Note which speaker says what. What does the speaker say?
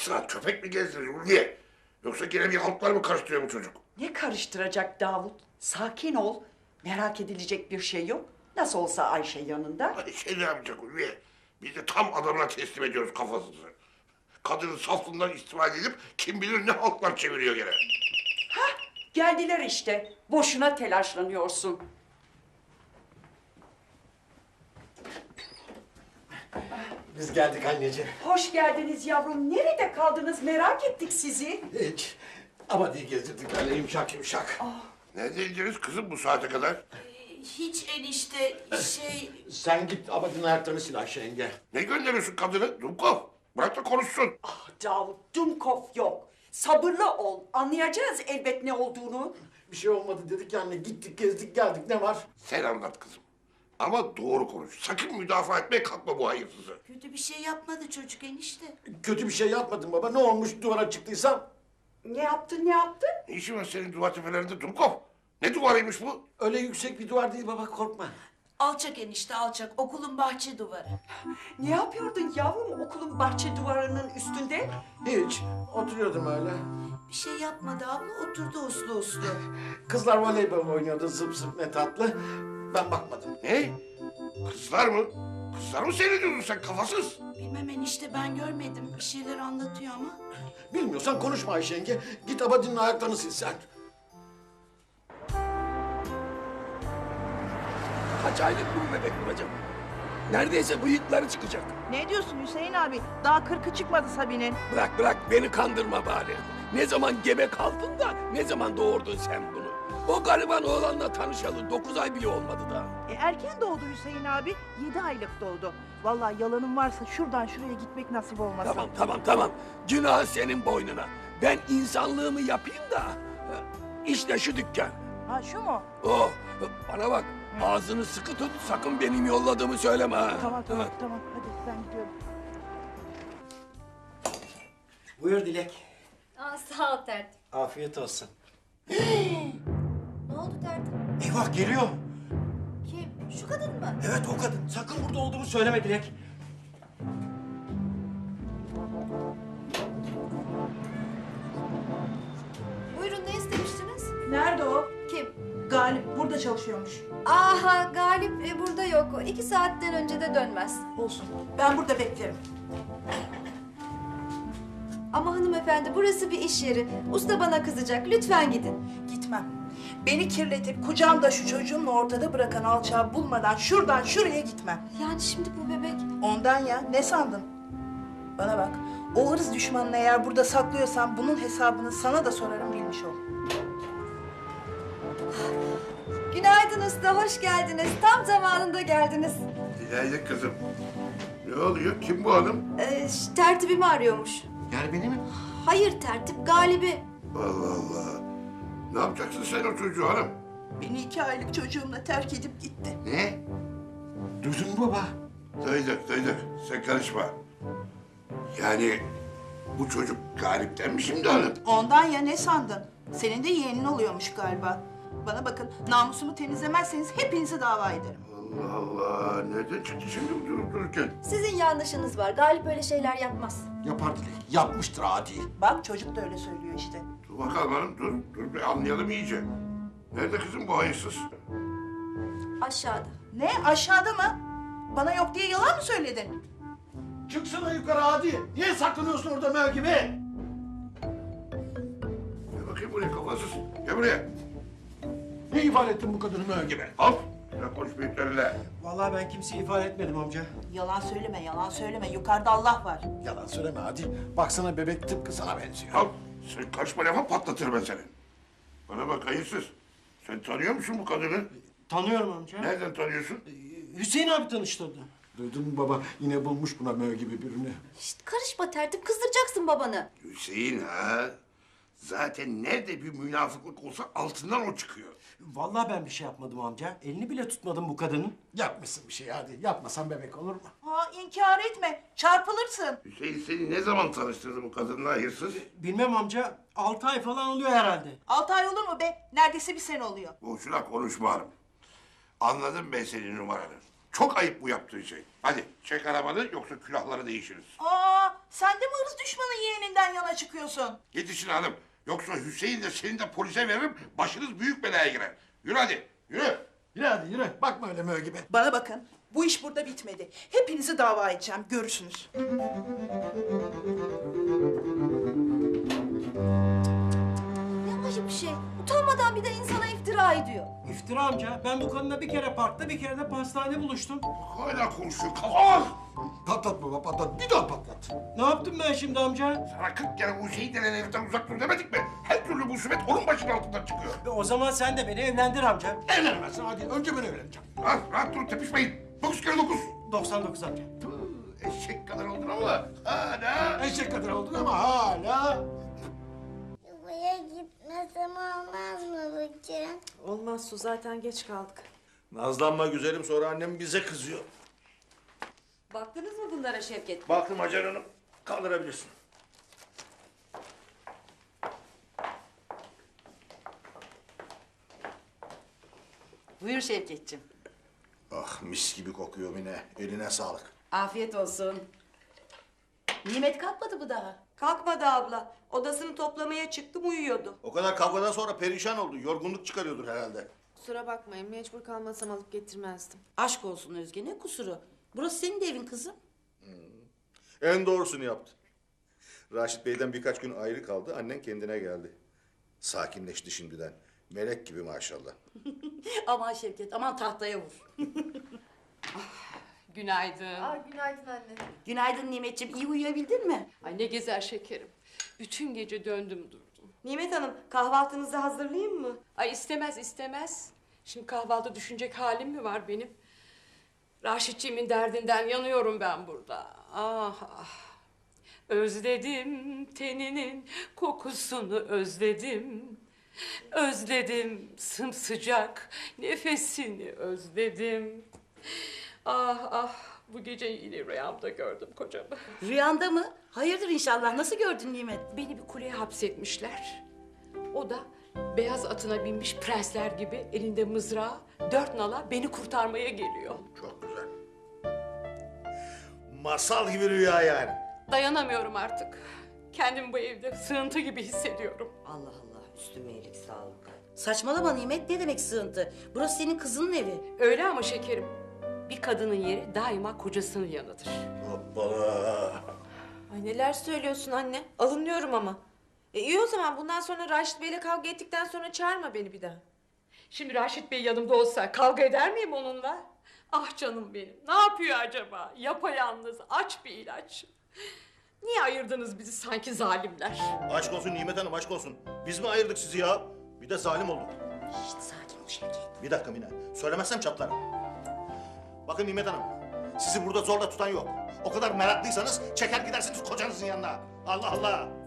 Speaker 1: sıra köpek mi gezdiriyor Ulviye? Yoksa gene bir haltlar mı karıştırıyor bu çocuk?
Speaker 2: Ne karıştıracak Davut? Sakin ol. Merak edilecek bir şey yok. Nasıl olsa Ayşe yanında.
Speaker 1: Hani şey ne yapacak Ulviye? Biz de tam adamına teslim ediyoruz kafasını. Kadının saflığından istifade edip kim bilir ne haltlar çeviriyor gene.
Speaker 2: Geldiler işte. Boşuna telaşlanıyorsun.
Speaker 3: Biz geldik anneciğim.
Speaker 2: Hoş geldiniz yavrum. Nerede kaldınız? Merak ettik sizi.
Speaker 3: Hiç. Ama diye gezdirdik böyle yumuşak yumuşak.
Speaker 1: Neredeydiniz kızım bu saate kadar?
Speaker 4: Hiç enişte
Speaker 3: Sen git Abadin ayaklarını sil Ayşe yenge.
Speaker 1: Ne gönderiyorsun kadını? Dumkov. Bırak da konuşsun.
Speaker 2: Davut, Dumkov yok. Sabırlı ol. Anlayacağız elbet ne olduğunu.
Speaker 3: Bir şey olmadı dedik ya anne. Gittik gezdik geldik ne var?
Speaker 1: Sen anlat kızım. Ama doğru konuş. Sakın müdafaa etmeye kalkma bu hayırsızı.
Speaker 4: kötü bir şey yapmadı çocuk enişte.
Speaker 3: Kötü bir şey yapmadım baba. Ne olmuş duvara çıktıysam?
Speaker 2: Ne yaptın, ne yaptın?
Speaker 1: Ne işin var senin duvar tepelerinde Dumkov? Ne duvarıymış bu?
Speaker 3: Öyle yüksek bir duvar değil baba korkma.
Speaker 4: Alçak enişte alçak okulun bahçe duvarı.
Speaker 2: Ne yapıyordun yavrum okulun bahçe duvarının üstünde?
Speaker 3: Hiç. Oturuyordum öyle.
Speaker 4: Bir şey yapmadı abla oturdu uslu uslu.
Speaker 3: Kızlar voleybol oynuyordu zıp zıp ne tatlı. Ben bakmadım.
Speaker 1: Ne? Kızlar mı? Kızlar mı seyrediyordun sen kafasız?
Speaker 4: Bilmem enişte ben görmedim bir şeyler anlatıyor ama.
Speaker 3: Bilmiyorsan konuşma Ayşe yenge. Git Abadin'in ayaklarını sil sen.
Speaker 5: Kaç aylık bu bebek babacığım? Neredeyse bıyıkları çıkacak.
Speaker 6: Ne diyorsun Hüseyin abi? Daha 40'ı çıkmadı Sabi'nin.
Speaker 5: Bırak beni kandırma bari. Ne zaman gebe kaldın da ne zaman doğurdun sen bunu? O gariban oğlanla tanışalı 9 ay bile olmadı da.
Speaker 6: Erken doğdu Hüseyin abi. 7 aylık doğdu. Vallahi yalanım varsa şuradan şuraya gitmek nasip olmasa.
Speaker 5: Tamam. Günah senin boynuna. Ben insanlığımı yapayım da. İşte şu dükkan.
Speaker 6: Ha şu mu?
Speaker 5: Oh, bana bak. Ağzını sıkı tut. Sakın benim yolladığımı söyleme ha.
Speaker 6: Tamam. Hadi ben gidiyorum.
Speaker 3: Buyur Dilek.
Speaker 7: Aa, sağ ol tertip.
Speaker 3: Afiyet olsun.
Speaker 7: Ne oldu tertip?
Speaker 3: Eyvah geliyor.
Speaker 7: Kim? Şu kadın mı?
Speaker 3: Evet o kadın. Sakın burada olduğumu söyleme Dilek.
Speaker 7: Buyurun ne istemiştiniz?
Speaker 6: Nerede o?
Speaker 7: Kim?
Speaker 6: Galip burada çalışıyormuş.
Speaker 7: Aha Galip burada yok. O 2 saatten önce de dönmez.
Speaker 6: Olsun. Ben burada beklerim.
Speaker 7: Ama hanımefendi burası bir iş yeri. Usta bana kızacak. Lütfen gidin.
Speaker 6: Gitmem. Beni kirletip kucağımda şu çocuğumla ortada bırakan alçağı bulmadan şuradan şuraya gitmem.
Speaker 7: Yani şimdi bu bebek...
Speaker 6: Ondan ya. Ne sandın? Bana bak. O ırz düşmanını eğer burada saklıyorsan bunun hesabını sana da sorarım bilmiş ol.
Speaker 7: Günaydın usta, hoş geldiniz. Tam zamanında geldiniz.
Speaker 1: Günaydın kızım. Ne oluyor? Kim bu hanım?
Speaker 7: Tertibimi arıyormuş.
Speaker 3: Yani beni mi?
Speaker 7: Hayır tertip, Galibi.
Speaker 1: Allah Allah. Ne yapacaksın sen o çocuğu hanım?
Speaker 6: Beni 2 aylık çocuğumla terk edip gitti.
Speaker 1: Ne?
Speaker 3: Duydun mu baba?
Speaker 1: Duyduk. Sen karışma. Yani bu çocuk Galip'ten mi şimdi hanım?
Speaker 6: Ondan ya ne sandın? Senin de yeğenin oluyormuş galiba. Bana bakın namusumu temizlemezseniz hepinizi dava ederim.
Speaker 1: Allah Allah. Nereden çıktı şimdi durup dururken?
Speaker 7: Sizin yanlışınız var. Galip öyle şeyler yapmaz.
Speaker 3: Yapar Dilek. Yapmıştır adi.
Speaker 6: Bak çocuk da öyle söylüyor işte.
Speaker 1: Dur bakalım hanım dur bir anlayalım iyice. Nerede kızım bu hayırsız?
Speaker 7: Aşağıda.
Speaker 6: Ne aşağıda mı? Bana yok diye yalan mı söyledin?
Speaker 3: Çıksana yukarı adi. Niye saklanıyorsun orada mö gibi?
Speaker 1: Gel bakayım buraya kafasız. Gel buraya.
Speaker 3: Ne ifade ettin bu kadını mö gibi?
Speaker 1: Al. Ya konuş büyüklerinle.
Speaker 8: Vallahi ben kimseyi ifade etmedim amca.
Speaker 6: Yalan söyleme. Yukarıda Allah var.
Speaker 3: Yalan söyleme hadi. Baksana bebek tıpkı sana benziyor.
Speaker 1: Al. Sen karışma lafa patlatırım ben seni. Bana bak hayırsız. Sen tanıyor musun bu kadını?
Speaker 8: Tanıyorum amca.
Speaker 1: Nereden tanıyorsun?
Speaker 8: Hüseyin abi tanıştırdı.
Speaker 3: Duydun mu baba? Yine bulmuş buna mö gibi birini.
Speaker 7: Şişt, karışma tertip, kızdıracaksın babanı.
Speaker 1: Hüseyin ha. Zaten nerede bir münafıklık olsa altından o çıkıyor.
Speaker 8: Vallahi ben bir şey yapmadım amca. Elini bile tutmadım bu kadının.
Speaker 3: Yapmışsın bir şey hadi. Yapmasan bebek olur mu?
Speaker 6: Ha inkar etme. Çarpılırsın.
Speaker 1: Hüseyin seni ne zaman tanıştırdı bu kadınla hayırsız?
Speaker 8: Bilmem amca. 6 ay falan oluyor herhalde.
Speaker 6: 6 ay olur mu be? Neredeyse bir sene oluyor.
Speaker 1: Boşuna konuşma hanım. Anladım ben senin numaranı. Çok ayıp bu yaptığın şey. Hadi çek arabanı yoksa külahları değişiriz.
Speaker 6: Aa sen de mi ırz düşmanı yeğeninden bana çıkıyorsun?
Speaker 1: Yetişin hanım. Yoksa Hüseyin de seni de polise veririm. Başınız büyük belaya girer. Yürü hadi. Yürü.
Speaker 3: Yürü hadi yürü. Bakma öyle mö gibi.
Speaker 6: Bana bakın. Bu iş burada bitmedi. Hepinizi dava edeceğim. Görürsünüz.
Speaker 7: Ne ayıp bir şey. Utanmadan bir de insana iftira ediyor.
Speaker 8: İftira amca. Ben bu kadınla bir kere parkta bir kere de pastanede buluştum.
Speaker 1: Hala konuşuyor. Kalk.
Speaker 3: Patlat baba patlat. Bir daha patlat.
Speaker 8: Ne yaptım ben şimdi amca?
Speaker 1: Sana 40 kere Hüseyin denen heriften uzak dur demedik mi? Her türlü musibet onun başının altından çıkıyor.
Speaker 8: O zaman sen de beni evlendir amca.
Speaker 3: Evlenemezsin hadi. Önce ben evleneceğim.
Speaker 1: Rahat, rahat durun tepişmeyin. 9 kere 9.
Speaker 8: 99 amca.
Speaker 1: Eşek kadar oldun ama hala.
Speaker 3: Eşek kadar oldun ama hala.
Speaker 9: Buraya gitmesem olmaz mı bacım?
Speaker 10: Olmaz Su, zaten geç kaldık.
Speaker 11: Nazlanma güzelim, sonra annem bize kızıyor.
Speaker 2: Baktınız mı bunlara Şevket?
Speaker 11: Baktım Hacer Hanım, kaldırabilirsin.
Speaker 2: Buyur Şevketciğim.
Speaker 11: Ah mis gibi kokuyor Mine, eline sağlık.
Speaker 2: Afiyet olsun.
Speaker 4: Nimet kalkmadı mı daha?
Speaker 10: Kalkmadı abla. Odasını toplamaya çıktım, uyuyordu.
Speaker 11: O kadar kavgadan sonra perişan oldu, yorgunluk çıkarıyordur herhalde.
Speaker 10: Kusura bakmayın, mecbur kalmasam alıp getirmezdim.
Speaker 4: Aşk olsun Özge, ne kusuru? Burası senin de evin kızım.
Speaker 11: En doğrusunu yaptı. Raşit Bey'den birkaç gün ayrı kaldı, annen kendine geldi. Sakinleşti şimdiden. Melek gibi maşallah.
Speaker 4: Aman Şevket, aman tahtaya vur.
Speaker 10: Günaydın.
Speaker 7: Günaydın anne.
Speaker 4: Günaydın Nimetciğim, iyi uyuyabildin mi?
Speaker 10: Ay ne gezer şekerim. Bütün gece döndüm durdum. Nimet Hanım, kahvaltınızı hazırlayayım mı? Ay istemez istemez. Şimdi kahvaltı düşünecek halim mi var benim? Raşitçiğimin derdinden yanıyorum ben burada. Ah ah. Özledim teninin kokusunu özledim. Özledim sımsıcak nefesini özledim. Ah ah, bu gece yine rüyamda gördüm kocamı.
Speaker 4: Rüyanda mı? Hayırdır inşallah, nasıl gördün Nimet?
Speaker 10: Beni bir kuleye hapsetmişler. O da beyaz atına binmiş prensler gibi elinde mızrağı, 4 nala beni kurtarmaya geliyor.
Speaker 11: Çok güzel. Masal gibi rüya yani.
Speaker 10: Dayanamıyorum artık. Kendimi bu evde sığıntı gibi hissediyorum.
Speaker 4: Allah Allah, üstüme iyilik sağlık. Saçmalama Nimet, ne demek sığıntı? Burası senin kızının evi.
Speaker 10: Öyle ama şekerim, bir kadının yeri daima kocasının yanıdır.
Speaker 11: Hoppala.
Speaker 10: Ay neler söylüyorsun anne? Alınıyorum ama. İyi o zaman bundan sonra Raşit Bey'le kavga ettikten sonra çağırma beni bir daha. Şimdi Raşit Bey yanımda olsa kavga eder miyim onunla? Ah canım benim. Ne yapıyor acaba? Yapayalnız, aç bir ilaç. Niye ayırdınız bizi sanki zalimler?
Speaker 11: Aşk olsun Nimet Hanım, aşk olsun. Biz mi ayırdık sizi ya? Bir de zalim olduk.
Speaker 4: Şişt, sakin ol Şevket.
Speaker 11: Bir dakika Mine, söylemezsem çatlarım. Bakın Nimet Hanım, sizi burada zorla tutan yok. O kadar meraklıysanız çeker gidersiniz kocanızın yanına. Allah Allah!